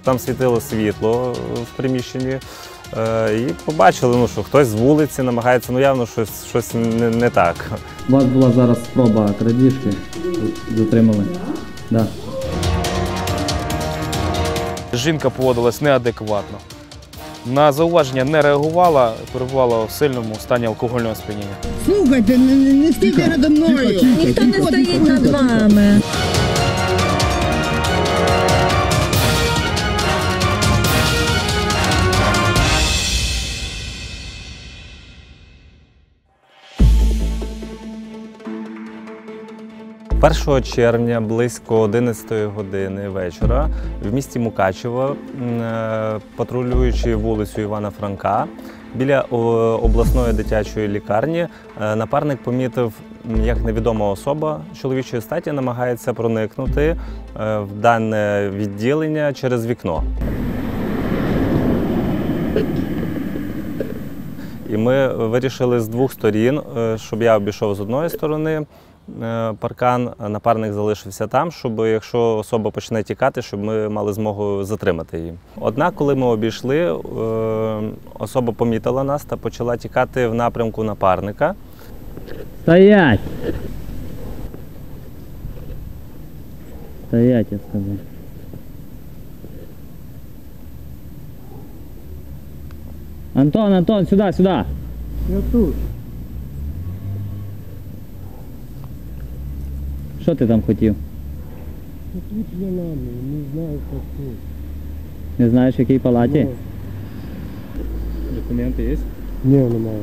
там світило світло в приміщенні. І побачили, що хтось з вулиці намагається, явно щось не так. У вас була зараз спроба крадіжки, затримали? Да. Жінка поводилась неадекватно. На зауваження не реагувала, перебувала в сильному стані алкогольного сп'яніння. Слухайте, не стійте передо мною. Ніхто не стоїть над вами. Першого червня близько 11 години вечора в місті Мукачево, патрулюючи вулицю Івана Франка, біля обласної дитячої лікарні, напарник помітив, як невідома особа чоловічої статі намагається проникнути в дане відділення через вікно. І ми вирішили з двох сторін, щоб я обійшов з одної сторони паркан, напарник залишився там, щоб якщо особа почне тікати, щоб ми мали змогу затримати її. Однак, коли ми обійшли, особа помітила нас та почала тікати в напрямку напарника. Стоять! Стоять, я сказав. Антон, сюди! Я тут. Що ти там хотів? Тут я нами, не знаю, як тут. Не знаєш, в якій палаті? Документи є? Ні, немає.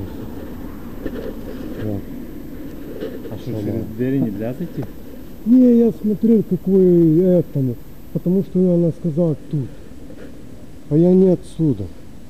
А що, через двері не можна зайти? Не, я смотрел, какой этому, потому что она сказала тут. А я не отсюда.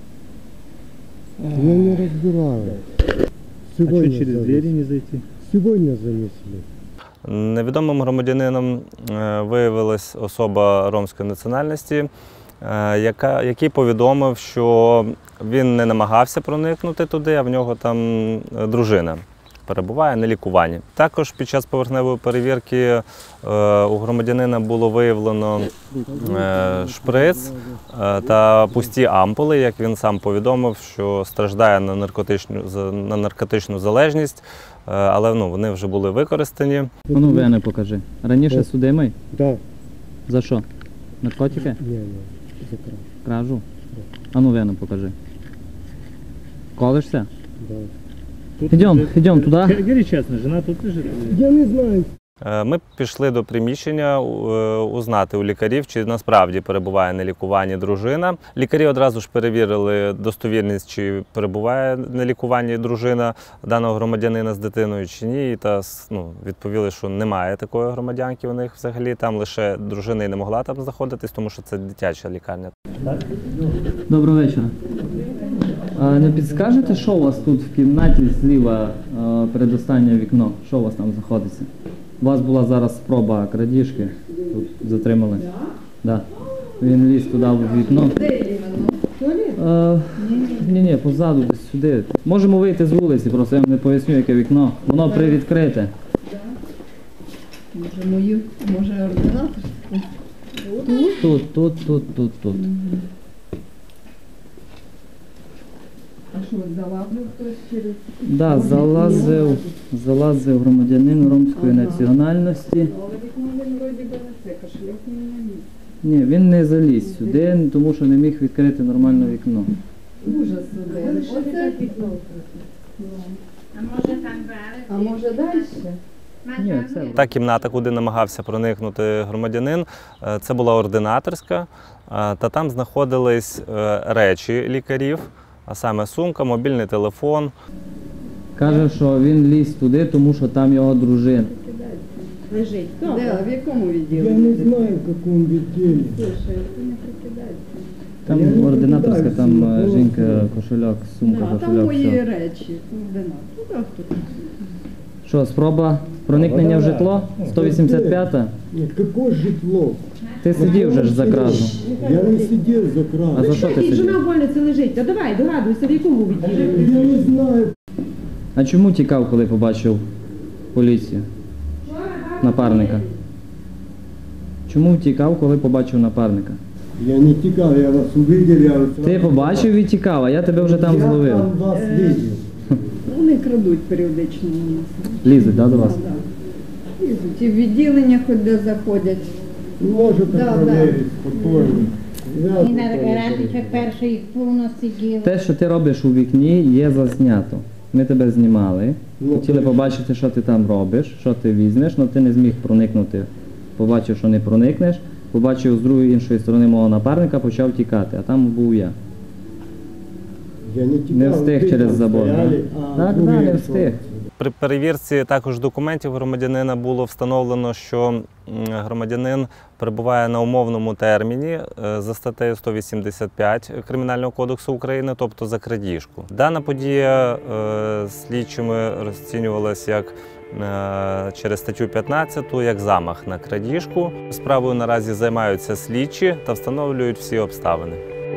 Я не разбираю. Сегодня через двері не зайти? Сегодня занесли. Невідомим громадянином виявилась особа ромської національності, який повідомив, що він не намагався проникнути туди, а в нього там дружина перебуває на лікуванні. Також під час поверхневої перевірки у громадянина було виявлено шприц та пусті ампули, як він сам повідомив, що страждає на наркотичну залежність, але вони вже були використані. Ну, вени покажи. Раніше судимий? Да. За що? Наркотики? Не, за кражу. Кражу? А ну вену покажи. Колишся? Да. Идем туда. Говори чесно, жена тут лежить? Я не знаю. Ми пішли до приміщення узнати у лікарів, чи насправді перебуває на лікуванні дружина. Лікарі одразу ж перевірили достовірність, чи перебуває на лікуванні дружина даного громадянина з дитиною, чи ні. Та відповіли, що немає такої громадянки у них взагалі. Там лише дружина і не могла там знаходитись, тому що це дитяча лікарня. Доброго вечора. Не підскажете, що у вас тут в кімнаті зліва передостаннє вікно? Що у вас там знаходиться? У вас була зараз спроба крадіжки, тут затримали. Да. Він ліз туди в вікно. Ні, позаду, десь сюди. Можемо вийти з вулиці, просто я вам не поясню, яке вікно. Воно привідкрите. Може ординатор? Тут. А що, залазив хтось через... Так, залазив громадянин ромської національності. Але вікно він вроді би не це, кошельок не міг. Ні, він не заліз сюди, тому що не міг відкрити нормально вікно. Ужас сюди. Оце вікно. А може далі? Ні, це... Та кімната, куди намагався проникнути громадянин, це була ординаторська, та там знаходились речі лікарів, а саме сумка, мобільний телефон. Каже, що він ліз туди, тому що там його дружина. Лежить. Де? А в якому Я відділенні? не знаю, в каком відділі. Слушай, ти не прикидайся. Там ординаторська, там жінка, кошельок, сумка, А там кошельок, мої все. речі. Ординатор. Що, спроба проникнення в житло? 185-та? Нет, какое житло? Ти сидів вже ж за кражу. Я не сидів за А кражу. за що ти Жена сидів? в больниці лежить. Та давай, догадуйся, в якому відділі. Я не знаю. А чому тікав, коли побачив поліцію? Напарника. Чому тікав, коли побачив напарника? Я не тікав, я вас увидел, я вас... Ти побачив і тікав, а я тебе вже там Я зловив. там вас видел. Вони крадуть періодично у нас. Лізуть, да, до вас? Да. Лізуть. І в відділення хоч де заходять. Можете Да, проверить спокійно. Я І на спокійно. раніше перший повно сиділи. Те, що ти робиш у вікні, є зазнято. Ми тебе знімали, Ну, хотіли то- побачити, що ти там робиш, що ти візьмеш, але ти не зміг проникнути. Побачив, що не проникнеш, побачив з другої іншої сторони мого напарника, почав тікати, а там був я. Я не тікав, Не встиг ви через там забор. Да? стояли, а Так, другий да, не хто? встиг. При перевірці також документів громадянина було встановлено, що громадянин перебуває на умовному терміні за статтею 185 Кримінального кодексу України, тобто за крадіжку. Дана подія слідчими розцінювалася як через статтю 15 як замах на крадіжку. Справою наразі займаються слідчі та встановлюють всі обставини.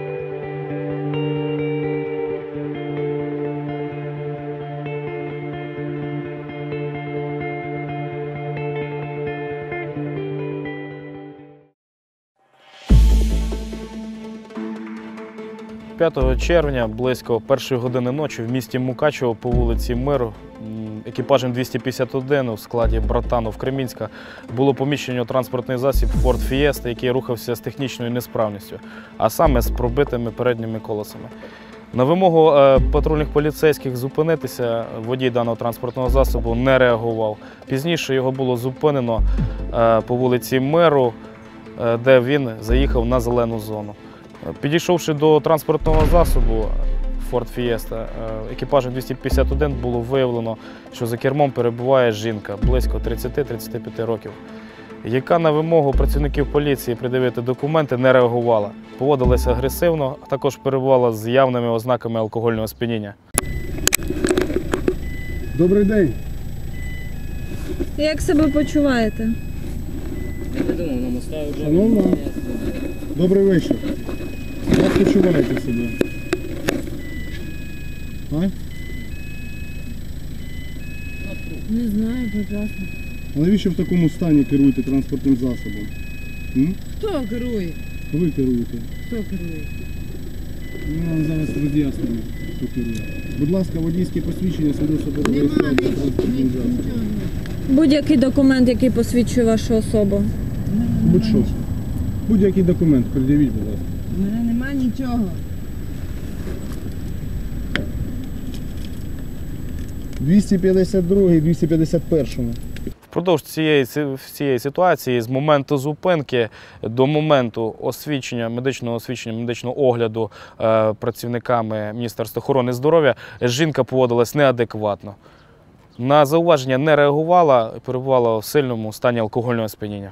– 5 червня, близько 1 години ночі, в місті Мукачево по вулиці Миру екіпажем 251 у складі Братанов-Кремінська було поміщено транспортний засіб Ford Fiesta, який рухався з технічною несправністю, а саме з пробитими передніми колесами. На вимогу патрульних поліцейських зупинитися водій даного транспортного засобу не реагував. Пізніше його було зупинено по вулиці Миру, де він заїхав на зелену зону. Підійшовши до транспортного засобу Ford Fiesta, екіпажем 251 було виявлено, що за кермом перебуває жінка близько 30-35 років, яка на вимогу працівників поліції пред'явити документи не реагувала, поводилася агресивно, а також перебувала з явними ознаками алкогольного сп'яніння. Добрий день. Як себе почуваєте? Шановна, добрий вечір. Як почуваєте себе? А? Не знаю, прекрасно. А навіщо в такому стані керуєте транспортним засобом? М? Хто керує? Ви керуєте. Хто керує? Ми вам зараз роз'яснимо, хто керує. Будь ласка, водійське посвідчення свідоцтво про реєстрацію транспортним засобом. Будь-який документ, який посвідчує вашу особу. Будь-що. Будь-який документ, пред'явіть, будь ласка. У мене нема нічого. 252 і 251. Впродовж цієї ситуації, з моменту зупинки до моменту медичного освідчення, медичного огляду працівниками Міністерства охорони здоров'я, жінка поводилась неадекватно. На зауваження не реагувала, перебувала в сильному стані алкогольного сп'яніння.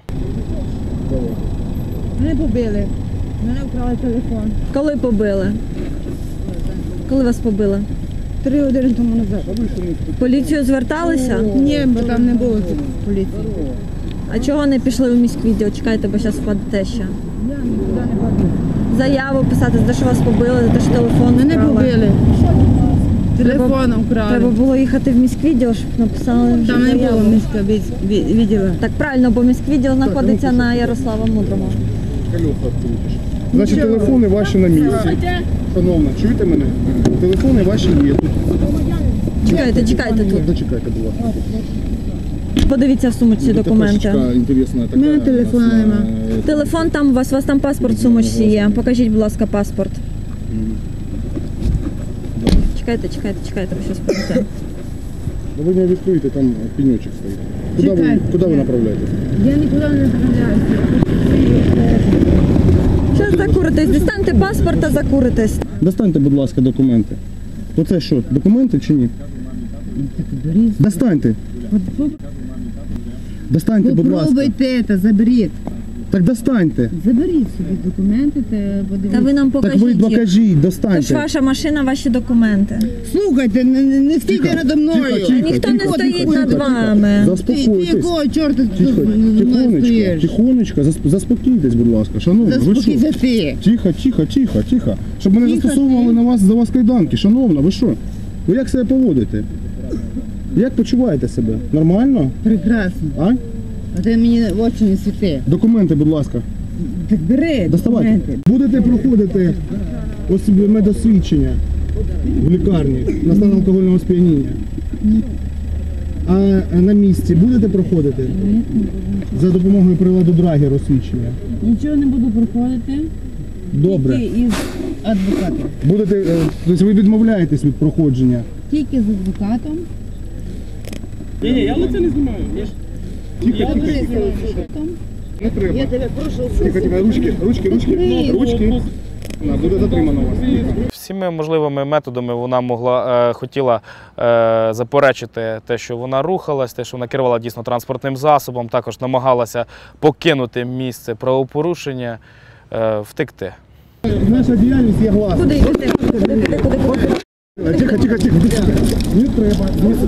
Мене побили. Мене вкрали телефон. Коли побили? Коли вас побили? 3 години тому назад. В поліцію зверталися? Ні, бо там не було поліції. А чого не пішли в міськвідділ? Чекайте, бо зараз впадете ще. Я нікуди не ходила. Заяву писати, за те, що вас побили, за те, що телефон Мене вкрали. побили. Телефоном вкрали. Треба було їхати в міськвідділ, щоб написали вже Там не заяву. було міська відділа. Так правильно, бо міськвідділ знаходиться на Ярослава Мудрого. Значить, телефони ваші на місці. Шановна, чуєте мене? Телефони ваші є тут. Чекайте тут. Дочекайте, будь ласка. Подивіться в сумочці документи. Карточка інтересна така. У мене телефону нема. Телефон там у вас там паспорт в сумочці є. Покажіть, будь ласка, паспорт. Чекайте, ви щось прийдете. Ну, ви не відкриєте, там пеньочок стоїть. Куди ви направляєтесь? Я нікуди не направляюся. Зараз закуритесь, дістаньте паспорт та закуритесь. Достаньте, будь ласка, документи. Оце що, документи чи ні? Достаньте. Достаньте, будь ласка. Попробуйте це, заберіть. Так достаньте. Заберіть собі документи та подивіться. Та ви нам Так покажіть ви їх. покажіть, Це ж достаньте. ваша машина, ваші документи. Слухайте, не стійте надо мною. Тихо, Ніхто не тихо, стоїть тихо, над тихо. вами. Ти Заспокойтесь. якого чорта Тихо, тут зі мною тихонечко, стоїш? тихонечко, заспокійтесь, будь ласка. Шановна, ви що? Заспокійся ти. Тихо. Щоб мене Тихо, застосовували за вас кайданки. Шановна, ви що? Ви як себе поводите? Як почуваєте себе? Нормально? Прекрасно. А? А ти мені в очі не світи. Документи, будь ласка. Так бери Доставайте. документи. Будете проходити медосвідчення в лікарні на стан алкогольного сп'яніння. А на місці будете проходити за допомогою приладу Драгер освідчення? Нічого не буду проходити. Добре. Тільки із адвокатом. Будете, тобто ви відмовляєтесь від проходження? Тільки з адвокатом. Не треба. Я тебе прошу. Ручки. Буде затримано вас. Всіми можливими методами вона хотіла заперечити те, що вона рухалась, те, що вона керувала дійсно транспортним засобом, також намагалася покинути місце правопорушення, втекти. Наша діяльність є гласна. Куди йдете? Тихо. Не треба.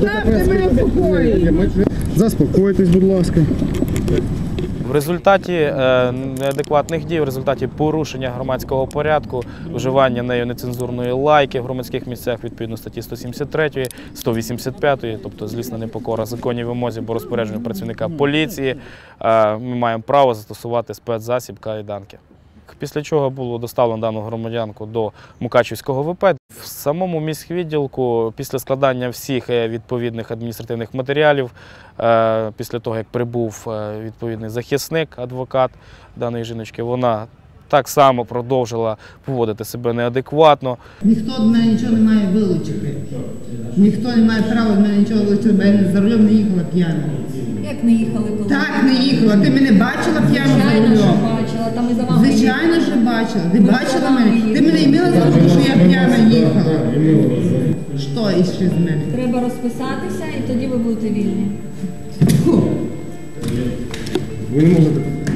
Заспокойтесь, будь ласка. В результаті неадекватних дій, в результаті порушення громадського порядку, вживання нею нецензурної лайки в громадських місцях відповідно статті 173, 185, тобто злісна непокора законній вимозі або розпорядженню працівника поліції, ми маємо право застосувати спецзасіб кайданки. Після чого було доставлено дану громадянку до Мукачівського ВП. В самому міськвідділку після складання всіх відповідних адміністративних матеріалів, після того, як прибув відповідний захисник, адвокат даної жіночки, вона так само продовжила поводити себе неадекватно. Ніхто від мене нічого не має вилучити. Ніхто не має права від мене нічого вилучити, бо я за рулем не їхала п'яна. Як не їхали коли? Так, не їхала. Ти мене бачила п'яну за Звичайно, що рулем? бачила, там і за вами. Звичайно, що бачила. Ти бачила мене? Ти мене імела за те, що я п'яна їхала. Що іще з мене? Треба розписатися і тоді ви будете вільні. Фу. Ви не можете.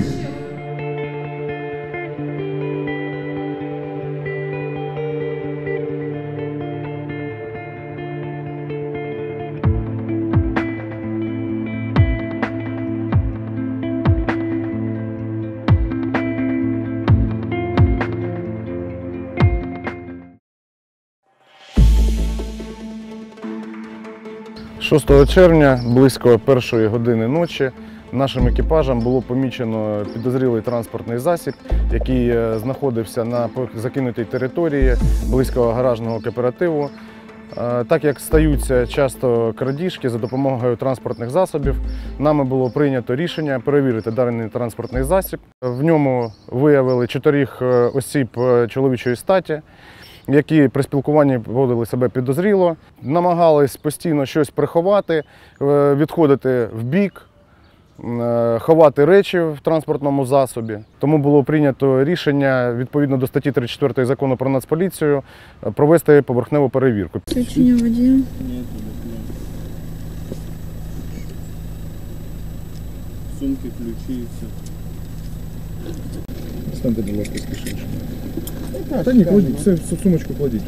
«6 червня, близько 1-ї години ночі, нашим екіпажем було помічено підозрілий транспортний засіб, який знаходився на закинутій території близько гаражного кооперативу. Так як стаються часто крадіжки за допомогою транспортних засобів, нами було прийнято рішення перевірити даний транспортний засіб. В ньому виявили 4 осіб чоловічої статі, які при спілкуванні поводили себе підозріло, намагались постійно щось приховати, відходити в бік, ховати речі в транспортному засобі. Тому було прийнято рішення, відповідно до статті 34 Закону про Нацполіцію, провести поверхневу перевірку. Свідчення водія. Сумки, ключі, все. Станьте, будь ласка, з кишечки. Та ні, кладіть, все в сумочку кладіть.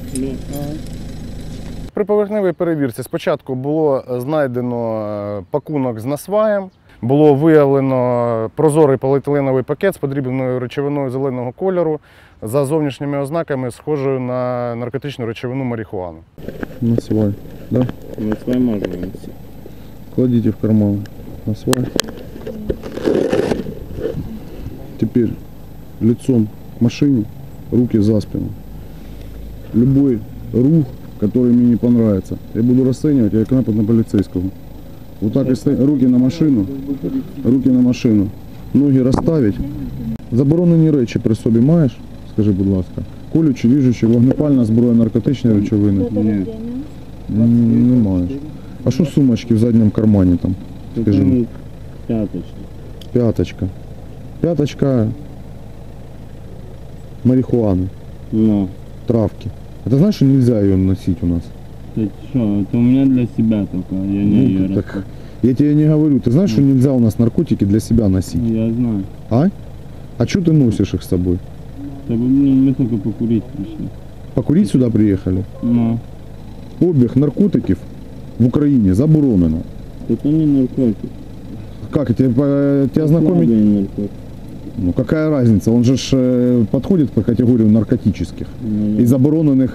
При поверхневій перевірці спочатку було знайдено пакунок з насваєм, було виявлено прозорий поліетиленовий пакет з подрібненою речовиною зеленого кольору за зовнішніми ознаками, схожою на наркотичну речовину марихуану. Насвай, да? Насвай можна носити. Кладите в карман. Насвай. Теперь лицом к машине, руки за спину. Любой рух, который мне не понравится, я буду расценивать как напад на полицейского. Вот так и стоять. Руки на машину. Ноги розставить. Заборонені речі при собі маєш? Скажи, будь ласка. Колючі, ріжучі, вогнепальна зброя, наркотичні речовини? Ні. Не маєш. А що сумочки в задньому кармані там? Скажи мені. П'яточка. Пяточка марихуаны, Ну, травки. А ты знаешь, что нельзя ее носить у нас? это что, это у меня для себя только, я не ее Ну, так, я тебе не говорю. Ты знаешь, что нельзя у нас наркотики для себя носить? Я знаю. А что ты носишь их с собой? Да, блин, мы только покурить пришли. Покурить сюда приехали? Ну, Обіг наркотиків в Украине заборонено. это не наркотик. Как, тебя знакомить? Слабый наркотик. Ну какая разница? Он же подходит по категорию наркотических Ну, и забороненных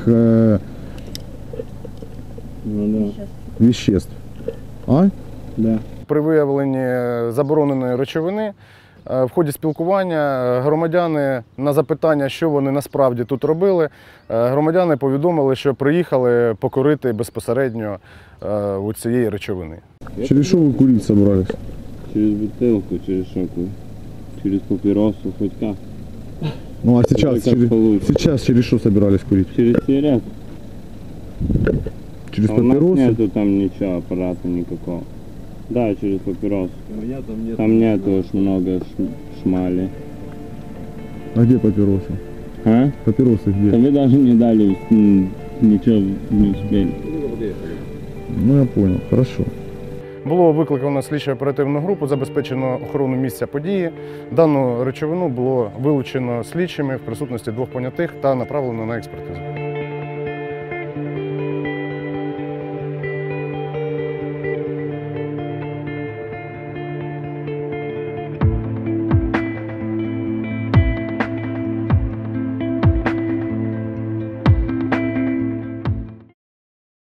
ну да. веществ. А? Да. При виявленні забороненої речовини В ході спілкування громадяни на запитання, що вони насправді тут робили, громадяни повідомили, що приїхали покурити безпосередньо у цієї речовини. Через что вы курить собрались? Через бутылку, через шоку, через папиросу, хоть как. Ну а сейчас, как получится. сейчас через что собирались курить? Через сигарет. Через А у нас папиросы? нету там ничего, аппарата никакого. Да, через папирос. Там нету уж много шмали. А где папиросы? А? Папиросы Да где? вы даже не дали, ничего не успели. Ну я понял, хорошо. Було викликано слідчо-оперативну групу, забезпечено охорону місця події. Дану речовину було вилучено слідчими в присутності двох понятих та направлено на експертизу.